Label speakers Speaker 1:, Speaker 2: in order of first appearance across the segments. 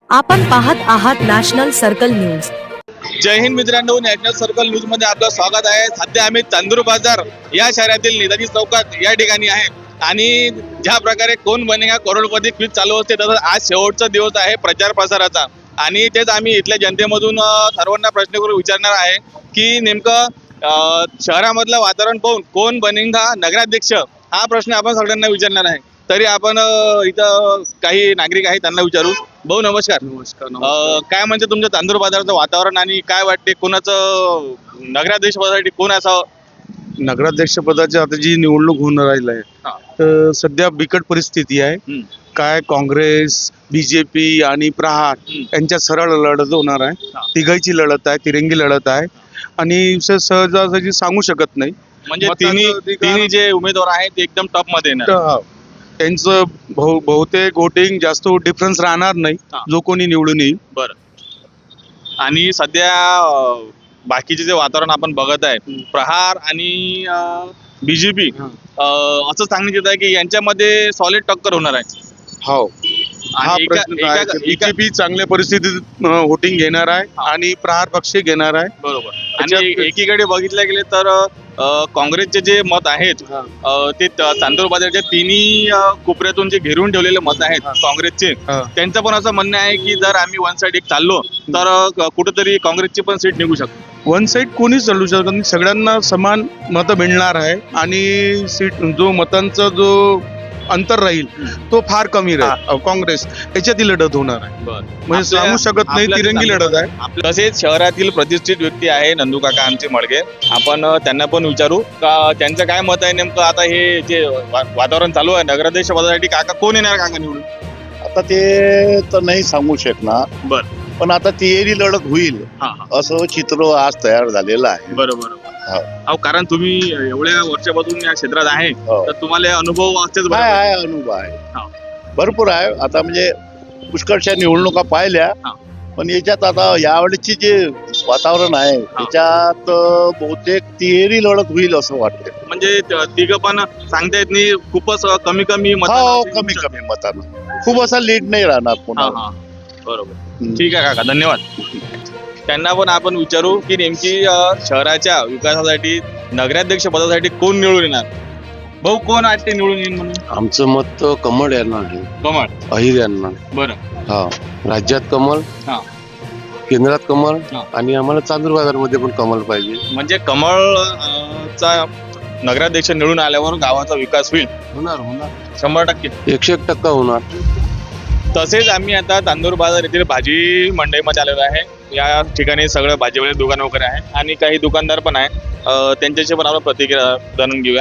Speaker 1: आपण पाहत आहात नॅशनल सर्कल न्यूज।
Speaker 2: जय हिंद मित्रांनो, नॅशनल सर्कल न्यूज मध्ये आपलं स्वागत आहे। सध्या आम्ही चांदूर बाजार या शहरातील नेताजी चौकात या ठिकाणी आहे आणि ज्या प्रकारे कोण बनेगा करोडपती क्विज चालू असते तसं आज शेवटचा दिवस आहे प्रचार प्रसाराचा आणि तेच आम्ही इथल्या जनतेमधून सर्वांना प्रश्न करून विचारणार आहे की नेमकं शहरामधलं वातावरण पाहून कोण बनेगा नगराध्यक्ष हा प्रश्न आपण सगळ्यांना विचारणार आहे। तरी आपण इथं काही नागरिक आहेत त्यांना विचारू। भाऊ नमस्कार।
Speaker 3: नमस्कार।
Speaker 2: काय म्हणजे तुमच्या चांदूर बाजाराचं वातावरण आणि काय वाटते कोणाचं नगराध्यक्ष पदासाठी कोण असावं?
Speaker 3: नगराध्यक्ष पदाची आता जी निवडणूक होऊन राहिली आहे तर सध्या बिकट परिस्थिती आहे। काय काँग्रेस, बीजेपी आणि प्रहार यांच्यात सरळ लढत होणार आहे। तिघांची लढत आहे, तिरंगी लढत आहे आणि सहजासहजी सांगू शकत नाही।
Speaker 2: म्हणजे तिन्ही जे उमेदवार आहेत ते एकदम टॉप मध्ये येणार।
Speaker 3: त्यांचं बहुतेक वोटिंग जास्त डिफरन्स राहणार नाही जो कोणी निवडून येईल।
Speaker 2: बरं। आणि सध्या बाकीचे जे वातावरण आपण बघत आहे प्रहार आणि बीजेपी असं सांगण्यात येत आहे की यांच्यामध्ये सॉलिड टक्कर होणार आहे।
Speaker 3: हो, हा प्रश्न बीजेपी चांगल्या परिस्थितीत वोटिंग घेणार आहे आणि प्रहार पक्ष घेणार आहे।
Speaker 2: बरोबर। आणि एकीकडे बघितले गेले तर काँग्रेसचे जे मत आहेत ते चांदूर बाजारच्या तिन्ही कोपऱ्यातून जे घेरून ठेवलेले मत आहेत काँग्रेसचे, त्यांचं पण असं म्हणणं आहे की जर आम्ही वन साइड एक चाललो तर कुठेतरी काँग्रेसची पण सीट निघू शकते।
Speaker 3: वन साइड कोणीच चालू शकत नाही, सगळ्यांना समान मतं मिळणार आहे आणि सीट जो मतांचा जो अंतर राहील तो फार कमी राहील। काँग्रेस याच्यातील लढत होणार आहे, म्हणजे सांगू शकत नाही, तिरंगी लढत आहे।
Speaker 2: तसेच शहरातील प्रतिष्ठित व्यक्ती आहे नंदू काका आमचे मळगे, आपण त्यांना पण विचारू का त्यांचं काय मत आहे नेमकं। आता हे जे वातावरण चालू आहे नगराध्यक्ष पदासाठी काका कोण येणार काका निवडून?
Speaker 4: आता ते तर नाही सांगू शकणार,
Speaker 2: बरं,
Speaker 4: पण आता तिहेरी लढत होईल असं चित्र आज तयार झालेलं आहे।
Speaker 2: बरोबर। अहो कारण तुम्ही एवढ्या वर्षापासून या क्षेत्रात आहे तर तुम्हाला अनुभव असतेच।
Speaker 4: आहे अनुभव आहे, भरपूर आहे। आता म्हणजे पुष्कळशा निवडणुका पाहिल्या, पण याच्यात आता यावेळेची जे वातावरण आहे त्याच्यात बहुतेक तिहेरी लढत होईल असं वाटतं।
Speaker 2: म्हणजे तिघं पण सांगता येत नाही, खूपच कमी कमी
Speaker 4: मतानं खूप असा लीड नाही राहणार पुन्हा।
Speaker 2: बरोबर, ठीक आहे काका, धन्यवाद। त्यांना पण आपण विचारू की नेमकी शहराच्या विकासासाठी नगराध्यक्ष पदासाठी कोण निवडून येणार। भाऊ कोण वाटते निवडून येईल म्हणून?
Speaker 5: आमचं मत कमळ यांना आहे।
Speaker 2: कमळ,
Speaker 5: अहिर यांना।
Speaker 2: बरं।
Speaker 5: हा, राज्यात कमळ, केंद्रात कमळ आणि आम्हाला चांदूर बाजार मध्ये पण कमळ पाहिजे।
Speaker 2: म्हणजे कमळ चा नगराध्यक्ष निवडून आल्यावर गावाचा विकास होईल।
Speaker 5: होणार
Speaker 2: 100%,
Speaker 5: 101% होणार।
Speaker 2: तसेच आम्ही आता चांदूर बाजार येथील भाजी मंडईमध्ये आलेलो आहे। या ठिकाणी सगळं भाजीवाले दुकान वगैरे आहे आणि काही दुकानदार पण आहे, त्यांच्याशी पण आपण प्रतिक्रिया जाणून घेऊया।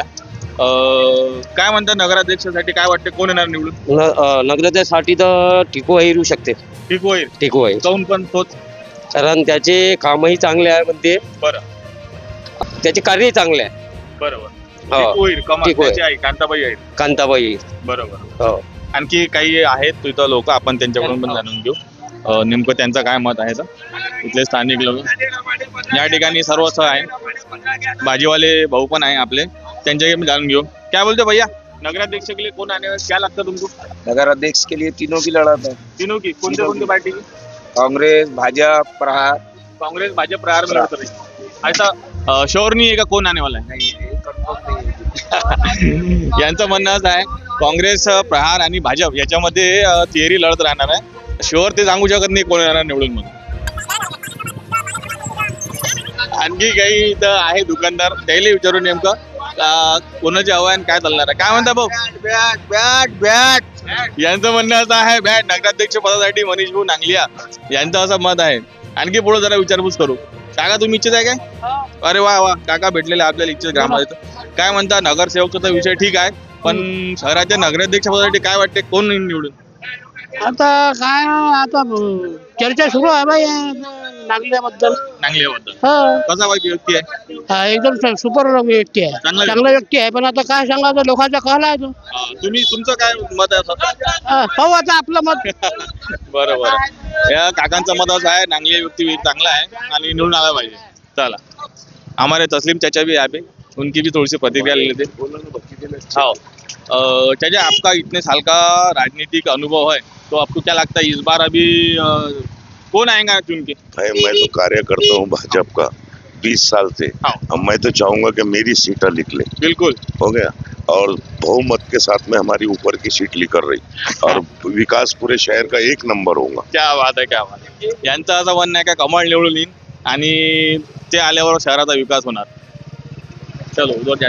Speaker 2: काय म्हणतात नगराध्यक्षासाठी काय वाटते कोण येणार निवडून?
Speaker 6: नगराध्यक्षासाठी तर टिको येऊ शकते।
Speaker 2: टिको
Speaker 6: आहे
Speaker 2: काऊन पण तोच?
Speaker 6: कारण त्याचे कामही चांगले आहे म्हणते।
Speaker 2: बरं,
Speaker 6: त्याचे कार्यही चांगले आहे।
Speaker 2: बरोबर।
Speaker 6: कांताबाई,
Speaker 2: बरोबर। आणखी काही आहेत तिथं लोक, आपण त्यांच्याकडून पण जाणून घेऊ नेमकं त्यांचं काय मत आहे। इथले स्थानिक लोक या ठिकाणी सर्वच आहे, भाजीवाले भाऊ पण आहे आपले, त्यांच्याकडे पण जाणून घेऊ। क्या बोलते भैया, नगराध्यक्ष के लिए कौन आने वाला, क्या लगता तुमको?
Speaker 7: नगराध्यक्ष के लिए तीनों की लड़त है।
Speaker 2: तीनों की कौन सी पार्टी की?
Speaker 7: कांग्रेस, भाजपा, प्रहार।
Speaker 2: कांग्रेस भाजपा प्रहार में लड़ते रही। ऐसा श्योर नाही आहे का कोण आने वाला आहे? यांचं म्हणणं असं आहे काँग्रेस, प्रहार आणि भाजप याच्यामध्ये तिहेरी लढत राहणार आहे। शुअर ते सांगू शकत नाही कोण येणार निवडून म्हणून। आणखी काही इथं आहे दुकानदार, त्याला विचारू नेमकं कोणाचे आव्हान काय चालणार आहे। काय म्हणता भाऊ? बॅट यांचं म्हणणं असं आहे बॅट नगराध्यक्ष पदासाठी मनीष भाऊ नांगलिया यांचं असं मत आहे। आणखी पुढे जरा विचारपूस करू। काका तुम्ही इच्छित आहे काय? अरे वा वा, काका भेटलेले आपल्याला इच्छित ग्रामपंचायत। काय म्हणता नगरसेवकचा विषय ठीक आहे, पण शहराच्या नगराध्यक्ष पदासाठी काय वाटते कोण निवडून?
Speaker 8: आता काय आता चर्चा सुरू आहे बाई नांगल्याबद्दल।
Speaker 2: कसा व्यक्ती आहे?
Speaker 8: एकदम सुपर व्यक्ती आहे, चांगला व्यक्ती आहे, पण आता काय सांगायचं, लोकांचा कल आहे तो।
Speaker 2: तुमचं काय मत आहे?
Speaker 8: पाहू आता आपलं मत।
Speaker 2: बरोबर, या काकांचं मत असं आहे नांगली व्यक्ती चांगला आहे आणि निवडून आला पाहिजे। चला, हमारे तस्लीम चाचा भी यहाँ पे, उनकी भी थोड़ी सी प्रतिक्रिया ले लेते। चाचा आपका इतने साल का राजनीतिक अनुभव है, तो आपको क्या लगता है इस बार अभी कौन आएगा चुन के?
Speaker 9: भाई मैं तो कार्य करता हूँ भाजपा का 20 साल से।
Speaker 2: हाँ।
Speaker 9: अब मैं तो चाहूंगा कि मेरी सीटें लिख ले,
Speaker 2: बिल्कुल
Speaker 9: हो गया, और बहुमत के साथ में हमारी ऊपर की सीट लिकर रही और विकास पूरे शहर का 1 नंबर होगा।
Speaker 2: क्या बात आहे, क्या बात आहे. यांचं असं म्हणणं आहे का कमळ निवडून येईन आणि ते आल्यावर शहराचा विकास होणार. चलो उधर